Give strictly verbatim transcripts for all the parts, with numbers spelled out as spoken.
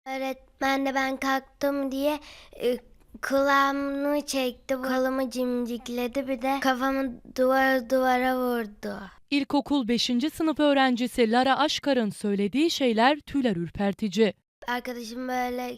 Öğretmen de ben kalktım diye e, kulağımı çekti, kolumu cimcikledi, bir de kafamı duvar duvara vurdu. İlkokul beşinci sınıf öğrencisi Lara Aşkar'ın söylediği şeyler tüyler ürpertici. Arkadaşım böyle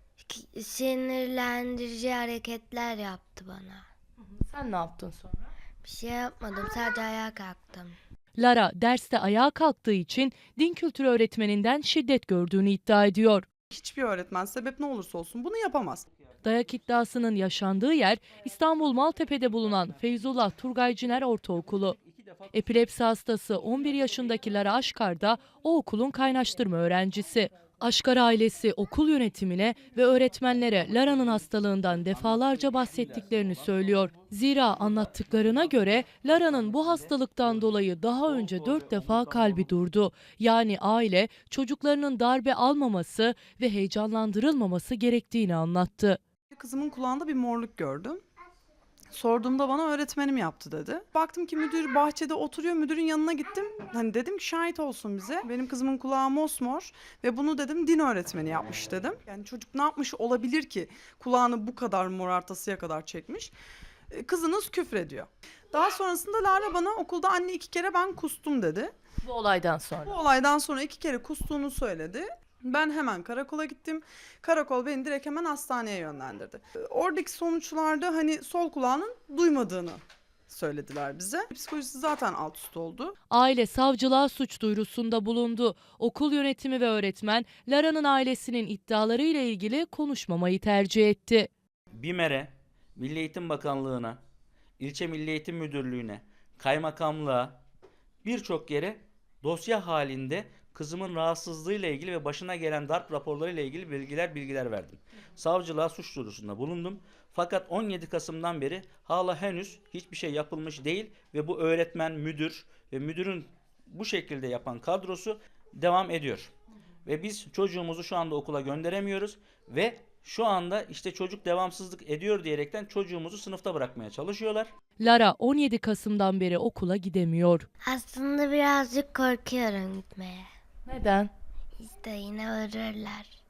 k- sinirlendirici hareketler yaptı bana. Sen ne yaptın sonra? Bir şey yapmadım, sadece ayağa kalktım. Lara derste ayağa kalktığı için din kültürü öğretmeninden şiddet gördüğünü iddia ediyor. Hiçbir öğretmen sebep ne olursa olsun bunu yapamaz. Dayak iddiasının yaşandığı yer İstanbul Maltepe'de bulunan Feyzullah Turgay Ciner Ortaokulu. Epilepsi hastası on bir yaşındaki Lara Aşkar da o okulun kaynaştırma öğrencisi. Aşkar ailesi okul yönetimine ve öğretmenlere Lara'nın hastalığından defalarca bahsettiklerini söylüyor. Zira anlattıklarına göre Lara'nın bu hastalıktan dolayı daha önce dört defa kalbi durdu. Yani aile çocuklarının darbe almaması ve heyecanlandırılmaması gerektiğini anlattı. Kızımın kulağında bir morluk gördüm. Sorduğumda bana öğretmenim yaptı dedi. Baktım ki müdür bahçede oturuyor, müdürün yanına gittim. Hani dedim ki şahit olsun bize. Benim kızımın kulağı mosmor ve bunu dedim din öğretmeni yapmış dedim. Yani çocuk ne yapmış olabilir ki kulağını bu kadar morartasıya kadar çekmiş. E, Kızınız küfrediyor. Daha sonrasında Lara bana okulda anne iki kere ben kustum dedi. Bu olaydan Bu sonra. olaydan sonra iki kere kustuğunu söyledi. Ben hemen karakola gittim. Karakol beni direkt hemen hastaneye yönlendirdi. Oradaki sonuçlarda hani sol kulağının duymadığını söylediler bize. Psikolojisi zaten alt üst oldu. Aile savcılığa suç duyurusunda bulundu. Okul yönetimi ve öğretmen Lara'nın ailesinin iddialarıyla ilgili konuşmamayı tercih etti. BİMER'e, Milli Eğitim Bakanlığı'na, İlçe Milli Eğitim Müdürlüğü'ne, kaymakamlığa, birçok yere dosya halinde kızımın rahatsızlığıyla ilgili ve başına gelen darp raporlarıyla ilgili bilgiler bilgiler verdim. Savcılığa suç duyurusunda bulundum. Fakat on yedi Kasım'dan beri hala henüz hiçbir şey yapılmış değil ve bu öğretmen, müdür ve müdürün bu şekilde yapan kadrosu devam ediyor. Ve biz çocuğumuzu şu anda okula gönderemiyoruz ve şu anda işte çocuk devamsızlık ediyor diyerekten çocuğumuzu sınıfta bırakmaya çalışıyorlar. Lara on yedi Kasım'dan beri okula gidemiyor. Aslında birazcık korkuyorum gitmeye. Neden? İşte yine vururlar.